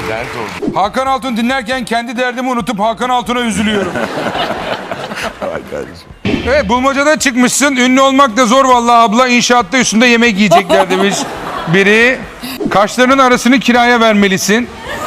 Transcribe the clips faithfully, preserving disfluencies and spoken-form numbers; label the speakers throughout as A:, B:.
A: Dert oldu.
B: Hakan Altun dinlerken kendi derdimi unutup Hakan Altun'a üzülüyorum.
A: Ay kardeşim.
B: Evet, bulmacada çıkmışsın. Ünlü olmak da zor vallahi abla. İnşaatta üstünde yemek yiyecekler demiş biri. Kaşlarının arasını kiraya vermelisin.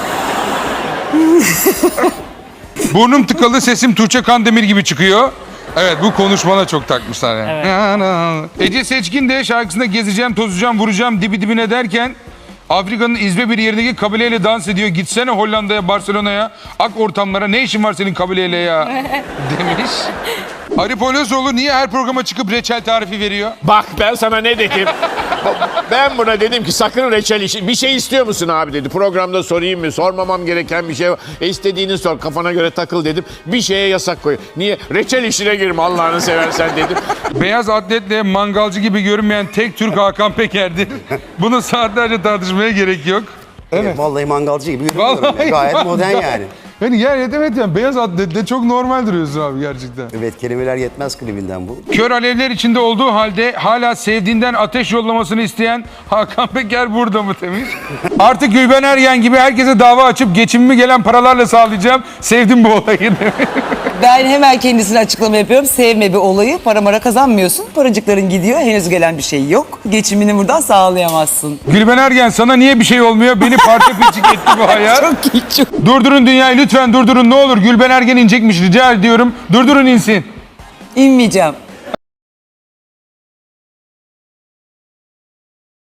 B: Burnum tıkalı, sesim Tuğçe Kandemir gibi çıkıyor. Evet, bu konuşmana çok takmışlar yani. Evet. Ece Seçkin de şarkısında gezeceğim, tozacağım, vuracağım dibi dibine derken Afrika'nın izbe bir yerindeki kabileyle dans ediyor. Gitsene Hollanda'ya, Barcelona'ya, ak ortamlara, ne işin var senin kabileyle ya demiş. Arif Olasoğlu niye her programa çıkıp reçel tarifi veriyor?
C: Bak ben sana ne dedim? Ben buna dedim ki sakın reçel işi. Bir şey istiyor musun abi dedi. Programda sorayım mı? Sormamam gereken bir şey var. E istediğini sor. Kafana göre takıl dedim. Bir şeye yasak koy. Niye? Reçel işine girme Allah'ını seversen dedim.
B: Beyaz atletle mangalcı gibi görünmeyen tek Türk Hakan Peker'dir. Bunu saatlerce tartışmaya gerek yok.
D: Evet. Vallahi mangalcı gibi görünüyorum.
B: Vallahi
D: ya. Gayet
B: mangal.
D: modern yani.
B: Yani yer evet yani beyaz atletle çok normal duruyorsun abi gerçekten.
D: Evet, kelimeler yetmez klibinden bu.
B: Kör alevler içinde olduğu halde hala sevdiğinden ateş yollamasını isteyen Hakan Peker burada mı demiş. Artık Gülben Ergen gibi herkese dava açıp geçimimi gelen paralarla sağlayacağım. Sevdim bu olayı demiş.
E: Ben hemen kendisine açıklama yapıyorum. Sevme bir olayı. Para mara kazanmıyorsun. Paracıkların gidiyor. Henüz gelen bir şey yok. Geçimini buradan sağlayamazsın.
B: Gülben Ergen sana niye bir şey olmuyor? Beni parça pinçik etti bu hayat.
E: Çok iyi, çok.
B: Durdurun dünyayı lütfen durdurun ne olur. Gülben Ergen inecekmiş rica ediyorum. Durdurun insin.
E: İnmeyeceğim.